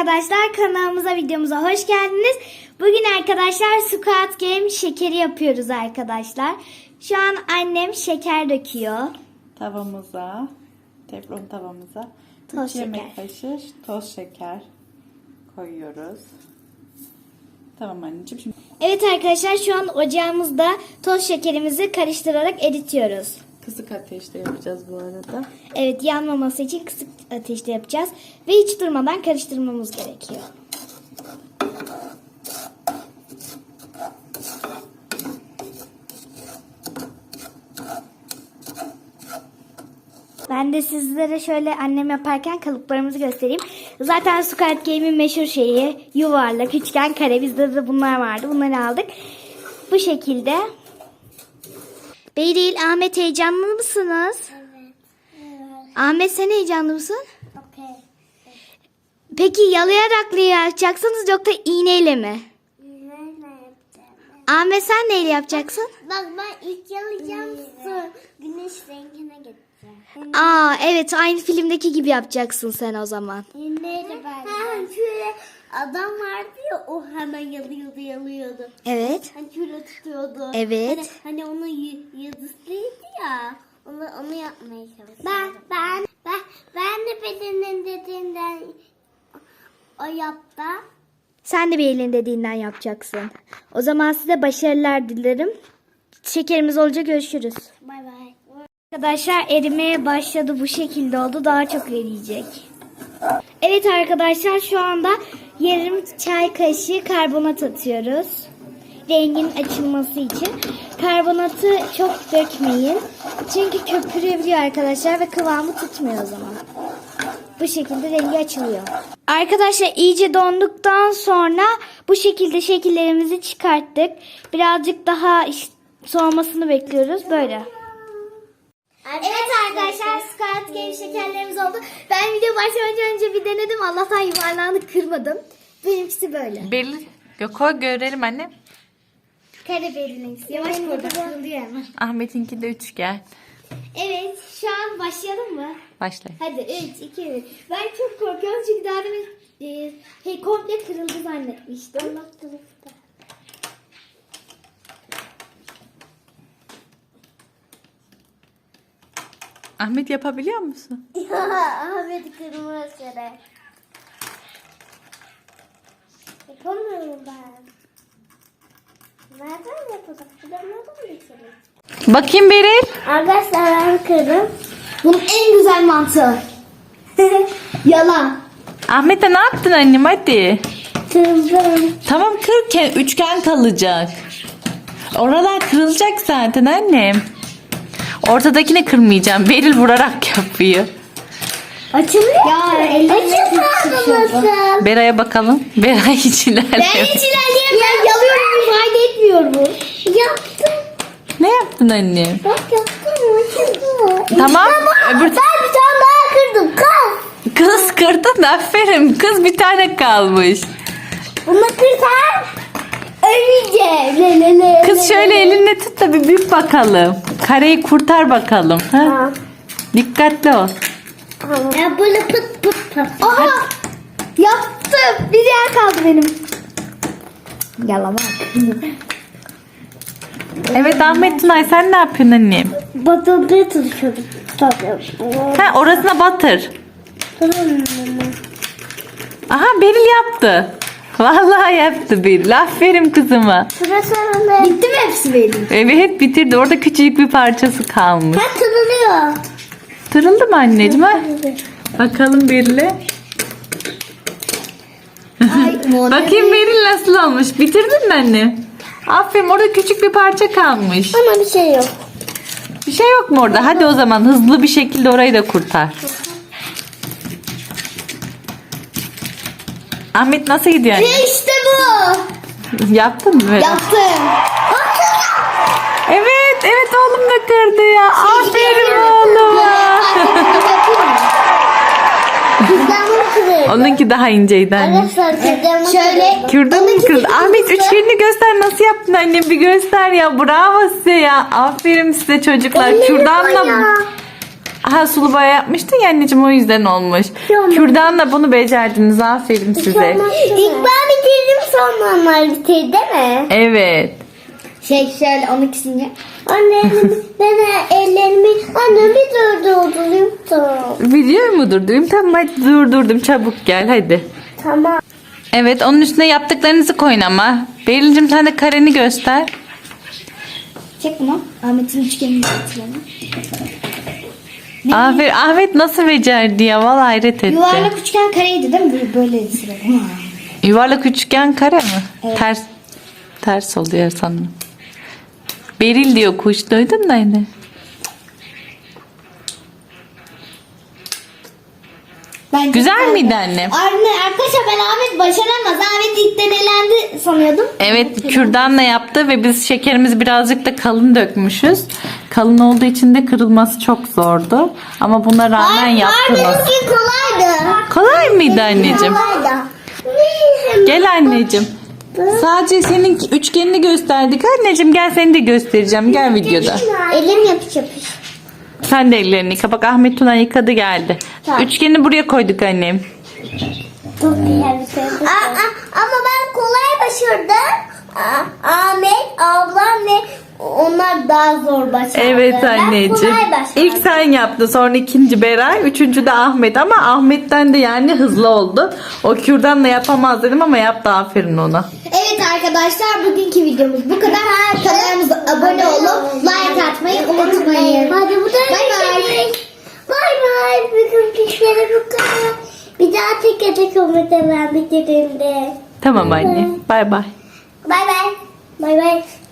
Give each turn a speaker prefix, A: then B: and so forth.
A: arkadaşlar, kanalımıza, videomuza hoş geldiniz. Bugün arkadaşlar Squid Game şekeri yapıyoruz arkadaşlar. Şu an annem şeker döküyor.
B: Tavamıza, teflon tavamıza
A: Toz
B: 3 yemek
A: şeker.
B: kaşığı toz şeker koyuyoruz. Tamam anneciğim. Şimdi
A: Evet arkadaşlar, şu an ocağımızda toz şekerimizi karıştırarak eritiyoruz.
B: kısık ateşte yapacağız bu arada.
A: Evet, yanmaması için kısık ateşte yapacağız. Ve hiç durmadan karıştırmamız gerekiyor. Ben de sizlere şöyle annem yaparken kalıplarımızı göstereyim. Zaten Squid Game'in meşhur şeyi yuvarlak, üçgen, kare. Bizde de bunlar vardı. Bunları aldık. Bu şekilde. Beyril, Ahmet heyecanlı mısınız?
C: Evet.
A: Ahmet, sen heyecanlı mısın?
C: Okey.
A: Peki yalayarak mı yapacaksınız yoksa iğneyle mi?
C: Neyle yapacağım?
A: Ahmet, sen neyle yapacaksın?
C: Bak ben ilk yalayacağım, sonra güneş rengine geçeceğim.
A: Aa evet, aynı filmdeki gibi yapacaksın sen o zaman.
C: Neyle ben? Şöyle adam vardı ya, o hemen yalıyordu.
A: Evet.
C: Hani şöyle tutuyordu.
A: Evet.
C: Hani onun yıldızlıydı ya. Onu yapmaya çalışıyorum. Ben de bedenin dediğinden o yaptı.
A: Sen de bir elin dediğinden yapacaksın. O zaman size başarılar dilerim. Şekerimiz olunca görüşürüz.
C: Bay bay.
A: Arkadaşlar, erimeye başladı, bu şekilde oldu, daha çok eriyecek. Evet arkadaşlar, şu anda yarım çay kaşığı karbonat atıyoruz. Rengin açılması için. Karbonatı çok dökmeyin. Çünkü köpürebiliyor arkadaşlar ve kıvamı tutmuyor o zaman. Bu şekilde rengi açılıyor. Arkadaşlar, iyice donduktan sonra bu şekilde şekillerimizi çıkarttık. Birazcık daha soğumasını bekliyoruz böyle. Evet arkadaşlar, Squid Game şekerlerimiz oldu. Ben video başlamadan önce bir denedim. Allah'tan yuvarlağını kırmadım. Benimkisi böyle.
B: belli. Koy görelim anne.
A: Kare belirleyici. Yavaş burada, kırılıyor hemen.
B: Ahmet'inki de üçgen.
A: Evet, şu an başlayalım mı?
B: Başla.
A: Hadi 3, 2, 1. Ben çok korkuyorum çünkü daha demin komple kırıldı zannetmiştim.
B: Ahmet yapabiliyor musun?
C: Ahmet kırmızı şere. Yapamıyorum ben. Nereden yapacak? Şuradan nereden geçelim?
B: Bakayım Beril.
C: Arkadaşlar ben kırdım.
A: Bunun en güzel mantığı. Yalan.
B: Ahmet'e ne yaptın annem hadi.
C: Kırdım.
B: Tamam kırken üçgen kalacak. Oralar kırılacak zaten annem. Ortadakini kırmayacağım. Beril vurarak yapıyor.
A: Açılıyor. Ya elle
B: Beray'a bakalım. Beray hiç ilerlemiyor.
A: Ben hiç ilerleyemem. Yalıyorum, fayda etmiyor bu.
C: Yaptım.
B: Ne yaptın annem?
C: Bak yaptım.
B: Tamam. Öbür
C: Ben bir tane daha kırdım. Kız.
B: kız kırdın aferin. Kız bir tane kalmış.
C: Bunu kırsan öleceğim.
B: Kız şöyle elinle tut da bir büyük bakalım. Kareyi kurtar bakalım. Ha?
C: Tamam.
B: Dikkatli ol.
C: Ya böyle pıt pıt pıt.
A: Aha! Yaptım. Bir yer kaldı benim. Yalamak.
B: Evet Ahmet Tunay sen ne yapıyorsun annem?
C: Batırmaya çalışıyordum.
B: Ha orasına batır. Aha Beril yaptı. Vallahi yaptı Beril. Aferin kızıma.
C: Sırası önünde.
A: Bitti mi hepsi benim?
B: Evet bitirdi. Orada küçücük bir parçası kalmış.
C: Ha kırılıyor.
B: Tırıldı mı anneciğim ha? Bakalım Beril'e. Bakayım Beril nasıl olmuş. Bitirdin mi anne? Aferin orada küçük bir parça kalmış.
C: Ama bir şey yok.
B: Bir şey yok mu orada? Hadi o zaman hızlı bir şekilde orayı da kurtar. Ahmet nasıl gidiyor anne?
A: İşte bu.
B: Yaptın mı böyle?
A: Yaptım.
B: Evet, evet oğlum da kırdı ya. Aferin oğluma.
C: Kızlarımı kırıyor.
B: Onunki daha inceydi anne.
C: Arkadaşlar kızlarımı
A: Şöyle.
B: Kırdın mı kız? Ahmet üçgenini göster. Nasıl yaptın annem? Bir göster ya. Bravo size ya. Aferin size çocuklar. Kürdanla mı? Aha, sulu boya yapmıştın ya anneciğim, o yüzden olmuş. Kürdanla bunu becerdiniz, aferin size.
C: İlk ben bitirdim sonra onlar bitirdi değil mi?
B: Evet.
A: Şöyle onun ikisini.
C: Anne ben ellerimi annemi durdurdum.
B: Video mu durdurayım? Tamam hadi durdurdum, çabuk gel hadi.
C: Tamam.
B: Evet, onun üstüne yaptıklarınızı koyun ama. Berincim sen de kareni göster.
A: Çek bunu. Ahmet'in üçgenini getirelim.
B: Aferin, Ahmet nasıl becerdi ya, vallahi hayret etti.
A: Yuvarlak üçgen kareydi değil mi? Böyle sıralı.
B: Yuvarlak üçgen kare mi? Ters oluyor sanırım. Beril diyor, kuş duydun da yine. Güzel miydi annem?
A: Arkadaşlar ben Ahmet başaramaz. Ahmet ilk elendi sanıyordum.
B: Evet, kürdanla yaptı ve biz şekerimizi birazcık da kalın dökmüşüz. Kalın olduğu için de kırılması çok zordu. Ama buna rağmen yaptınız.
C: Benimki kolaydı.
B: Kolay mıydı anneciğim?
C: Kolaydı.
B: Gel anneciğim. Sadece senin üçgenini gösterdik. Anneciğim gel, seni de göstereceğim. Gel videoda.
C: Elim yapış yapış.
B: Sen de ellerini yıka. Bak Ahmet Tuna yıkadı geldi.
C: Tamam.
B: Üçgeni buraya koyduk annem.
C: Çok güzel bir şey. Ama ben kolay başardım. Ahmet, ablam ve onlar daha zor başardı.
B: Evet
C: Ben
B: anneciğim.
C: kolay başardım.
B: İlk sen yaptın, sonra ikinci Beray, üçüncü de Ahmet, ama Ahmet'ten de yani hızlı oldu. O kürdanla yapamaz dedim ama yaptı, aferin ona.
A: Evet arkadaşlar, bugünkü videomuz bu kadar. Kanalımıza abone olup like atmayı unutmayın.
C: Hadi bu da
A: Bay bay.
C: Bay bay. Bugün kişilere bu kadar. Bir daha tek tek ben bitirdiğimde.
B: Tamam anne. Bay bay.
C: Bay bay. Bay bay.